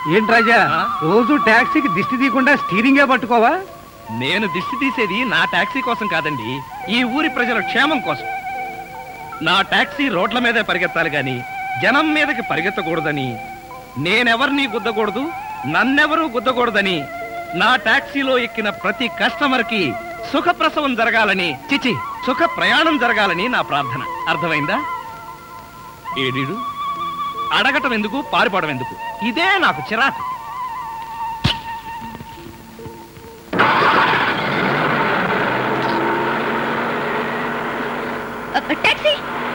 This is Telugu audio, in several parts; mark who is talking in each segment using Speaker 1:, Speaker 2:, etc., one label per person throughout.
Speaker 1: ఏంటి రాజా రోజు టాక్సీకి దిష్టి తీయకుండా స్టీరింగే పట్టుకోవా?
Speaker 2: నేను దిష్టి తీసేది నా టాక్సీ కోసం కాదండి, ఈ ఊరి ప్రజల క్షేమం కోసం. నా టాక్సీ రోడ్ల మీదే పరిగెత్తాలి గాని జనం మీదకి పరిగెత్తకూడదని, నేనెవరిని గుద్దకూడదు, నన్నెవరూ గుద్దకూడదని, నా టాక్సీలో ఎక్కిన ప్రతి కస్టమర్ కి సుఖప్రసవం జరగాలని, చిచి సుఖ ప్రయాణం జరగాలని నా ప్రార్థన. అర్థమైందా? ఏడీడు అడగటం ఎందుకు, పారిపోవడం ఎందుకు? ఇదే నాకు చిరాకు.
Speaker 3: టాక్సీ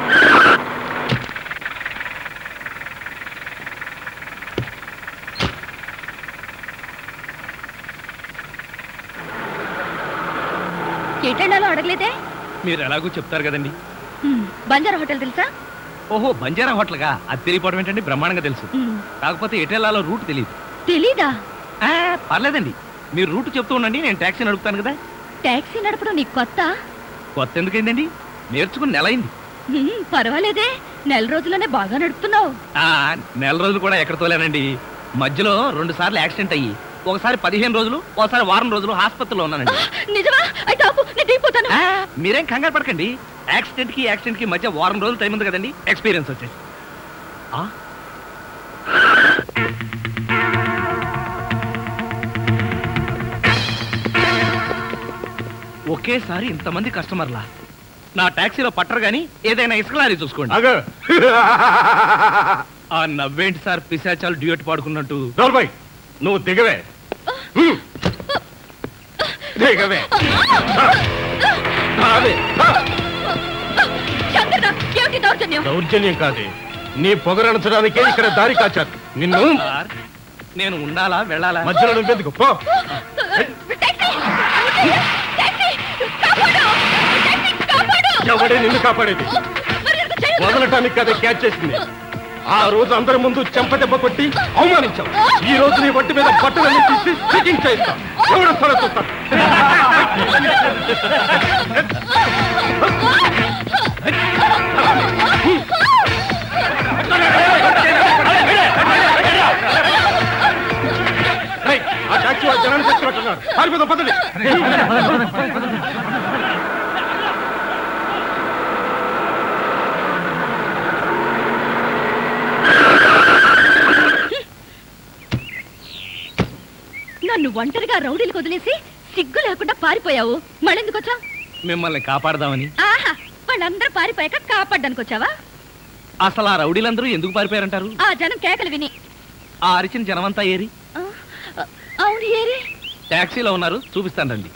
Speaker 3: ఎటెండాలో అడగలేదే?
Speaker 2: మీరు ఎలాగో చెప్తారు కదండి.
Speaker 3: బంజారా హోటల్ తెలుసా?
Speaker 2: ఓహో, బంజారా హోటల్గా? అది తెలియపోవడం ఏంటండి, బ్రహ్మాండంగా తెలుసు. కాకపోతే ఎటెల్లాలో రూట్ తెలియదు.
Speaker 3: తెలీదా?
Speaker 2: పర్లేదండి, మీరు రూట్ చెప్తూ ఉండండి, నేను టాక్సీ నడుపుతాను కదా.
Speaker 3: టాక్సీ నడపడం నీకు కొత్త?
Speaker 2: కొత్త ఎందుకైందండి, నేర్చుకుని నెల అయింది.
Speaker 3: పర్వాలేదే, నెల రోజుల్లోనే బాగా నడుపుతున్నావు.
Speaker 2: నెల రోజులు కూడా ఎక్కడ తోలేనండి, మధ్యలో 2 సార్లు యాక్సిడెంట్ అయ్యి ఒకసారి 15 రోజులు, ఒకసారి వారం రోజులు హాస్పిటల్లో ఉన్నానండి.
Speaker 3: నిజమా? అయితే ఆపు, నేను దిగిపోతాను.
Speaker 2: మీరేం కంగారు పడకండి, యాక్సిడెంట్ కి మధ్య వారం రోజులు టైం ఉంది కదండి, ఎక్స్పీరియన్స్ వచ్చేసి. ఒకేసారి ఇంతమంది కస్టమర్లా నా టాక్సీలో పట్టరు గాని ఏదైనా ఇసుకలారీ చూసుకోండి. ఆ నవ్వేంటి సార్, పిశాచాలు డ్యూయట్ పాడుకున్నట్టు.
Speaker 1: నువ్వు దిగవే, దిగవే. దౌర్జన్యం కాదే, నీ పొగరణించడానికే ఇక్కడ దారి కాచారు. నిన్ను
Speaker 2: నేను ఉండాలా వెళ్ళాలా?
Speaker 1: మధ్యలో నువ్వెందుకు పో. ఎవడే నిన్ను కాపాడేది? వదలటానికి కదా క్యాచ్ చేసింది. ఆ రోజు అందరి ముందు చెంపదెబ్బ కొట్టి అవమానించాం. ఈ రోజు నీ ఒంటి మీద బట్టలన్నీ తీసి చెకింగ్ చేస్తాం. ఎవడొస్తాడో చూస్తాం. ఆ టాక్సీ ఆ జనాన్ని తెచ్చినట్టున్నారు. పారిపోదాం, పదండి.
Speaker 3: నన్ను ఒంటరిగా రౌడీలు వదిలేసి సిగ్గు లేకుండా పారిపోయావు. మళ్ళెందుకు వచ్చావు?
Speaker 2: మిమ్మల్ని కాపాడదామని.
Speaker 3: ఆహా, వాళ్ళందరూ పారిపోయాక కాపాడ్డానికి వచ్చావా?
Speaker 2: అసలు ఆ రౌడీలందరూ ఎందుకు పారిపోయారంటారు?
Speaker 3: ఆ జనం కేకలు విని.
Speaker 2: ఆ అరిచిన జనమంతా ఏరి?
Speaker 3: అవును, ఏరి.
Speaker 2: టాక్సీలో ఉన్నారు, చూపిస్తాను రండి.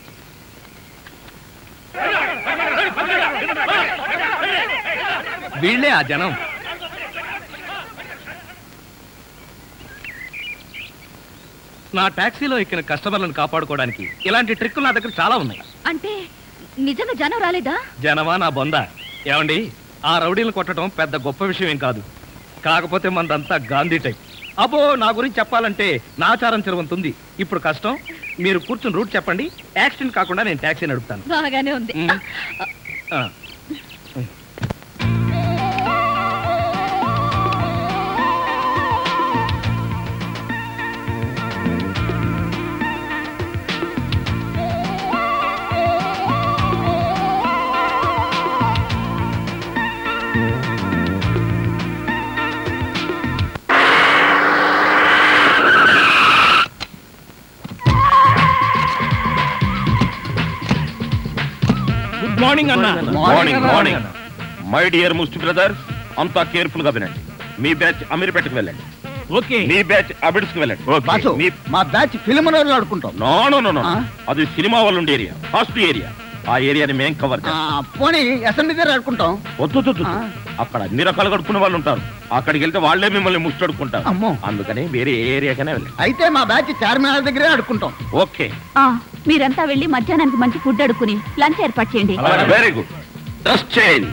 Speaker 2: వీళ్ళే ఆ జనం. నా టాక్సీలో ఎక్కిన కస్టమర్లను కాపాడుకోవడానికి ఇలాంటి ట్రిక్కులు నా దగ్గర చాలా ఉన్నాయి.
Speaker 3: అంటే నిజంగా జనం రాలేదా?
Speaker 2: జనమా నా బొంద. ఏమండి, ఆ రౌడీలను కొట్టడం పెద్ద గొప్ప విషయం ఏం కాదు. కాకపోతే మనదంతా గాంధీ టైప్. అబ్బో, నా గురించి చెప్పాలంటే నాచారం చెరువంతుంది. ఇప్పుడు కష్టం, మీరు కూర్చుని రూట్ చెప్పండి. యాక్సిడెంట్ కాకుండా నేను టాక్సీ నడుపుతాను.
Speaker 3: బాగానే ఉంది.
Speaker 2: మార్నింగ్ అన్న.
Speaker 4: Morning morning. మై డియర్ ముస్టి బ్రదర్, అంతా కేర్ఫుల్ గా వినండి. మీ బ్యాచ్ అమీర్పేటకు వెళ్ళండి.
Speaker 2: ఓకే.
Speaker 4: మీ బ్యాచ్ అబిడ్స్ కు వెళ్ళండి.
Speaker 5: మా బ్యాచ్ ఫిల్మ్ ఆడుకుంటాం.
Speaker 4: నో, అది సినిమా వాళ్ళు ఉండే ఏరియా, ఫాస్ట్ ఏరియా. ఆ ఏరియాని మేం కవర్ చేస్తాం.
Speaker 5: పోనీ అసెంబ్లీ దగ్గర ఆడుకుంటాం.
Speaker 4: వద్దు, అక్కడ అన్ని రకాలుగా అడుక్కునే వాళ్ళు ఉంటారు. అక్కడికి వెళ్తే వాళ్లే మిమ్మల్ని ముష్టి అడుక్కుంటారు. అందుకని వేరే ఏరియాకనే వెళ్ళండి.
Speaker 5: అయితే మా బ్యాచ్ చార్మినార్ దగ్గరే ఆడుకుంటాం.
Speaker 4: ఓకే.
Speaker 3: మీరంతా వెళ్ళి మధ్యాహ్నానికి మంచి ఫుడ్ అడుక్కుని లంచ్ ఏర్పాటు చేయండి.
Speaker 4: Very good. Dress change.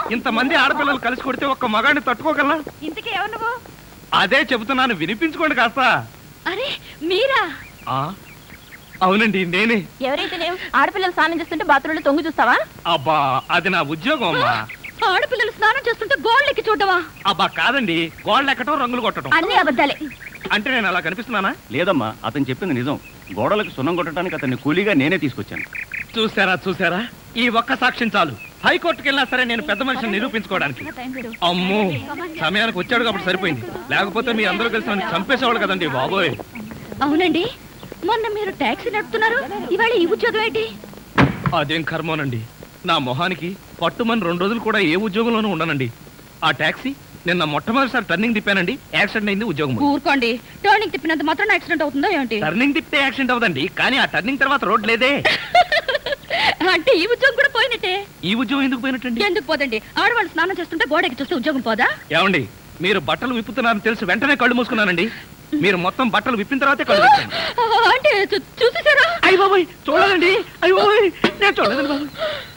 Speaker 2: ఇంతమంది ఆడపిల్లలు కలిసి కొడితే ఒక్క మగాడిని తట్టుకోగలనా?
Speaker 3: ఇంతకీ ఎవరు నువ్వు?
Speaker 2: అదే చెబుతున్నాను, వినిపించుకోండి కాస్త.
Speaker 3: అరే మీరా?
Speaker 2: అవునండి నేనే.
Speaker 3: ఎవరైతే ఆడపిల్లలు స్నానం చేస్తుంటే బాత్రూంలో తొంగి చూస్తావా?
Speaker 2: అబ్బా అది నా ఉద్యోగం అమ్మా.
Speaker 3: ఆడపిల్లలు స్నానం చేస్తుంటే గోళ్ళెక్కి చూడవా?
Speaker 2: అబ్బా కాదండి, గోడలు ఎక్కటం రంగులు కొట్టడం.
Speaker 3: అన్ని అబద్ధాలే.
Speaker 2: అంటే నేను అలా కనిపిస్తున్నానా?
Speaker 4: లేదమ్మా, అతను చెప్పింది నిజం. గోడలకు సున్నం కొట్టడానికి అతన్ని కూలీగా నేనే తీసుకొచ్చాను.
Speaker 2: చూసారా ఈ ఒక్క సాక్ష్యం చాలు. హైకోర్టుకి వెళ్ళినా సరే నేను పెద్ద మనిషిని నిరూపించుకోవడానికి. అమ్మో, సమయానికి వచ్చాడు కాబట్టి సరిపోయింది, లేకపోతే మీ అందరూ కలిసి నన్ను చంపేసేవాళ్ళు కదండి బాబోయ్.
Speaker 3: అవునండి, మొన్న మీరు టాక్సీ నడుపుతున్నారు, ఇవాళ ఈ ఉద్యోగం ఏంటి?
Speaker 2: అదేం కర్మోనండి, నా మొహానికి పట్టుమని 2 రోజులు కూడా ఏ ఉద్యోగంలోనూ ఉండనండి. ఆ టాక్సీ నిన్న మొట్టమొదటిసారి టర్నింగ్ తిప్పానండి, యాక్సిడెంట్ అయింది, ఉద్యోగం పోయింది.
Speaker 3: ఊరుకోండి, టర్నింగ్ తిప్పినంత మాత్రం యాక్సిడెంట్ అవుతుందో ఏంటి?
Speaker 2: టర్నింగ్ తిప్పితే యాక్సిడెంట్ అవుదండి, కానీ ఆ టర్నింగ్ తర్వాత రోడ్ లేదే.
Speaker 3: అంటే ఈ ఉద్యోగం కూడా పోయినట్టే.
Speaker 2: ఈ ఉద్యోగం ఎందుకు పోయినట్టండి?
Speaker 3: ఎందుకు పోదండి, ఆడవాళ్ళు స్నానం చేస్తుంటే గోడకి చూస్తే ఉద్యోగం పోదా?
Speaker 2: ఏమండి, మీరు బట్టలు విప్పుతున్నారని తెలిసి వెంటనే కళ్ళు మూసుకున్నానండి. మీరు మొత్తం బట్టలు విప్పిన తర్వాతే కళ్ళు తెరిచాను.
Speaker 3: అంటే చూసేసారా?
Speaker 2: అయ్య బాబోయ్, చూడదండి, అయ్య బాబోయ్, నేను చూడదండి బాబు.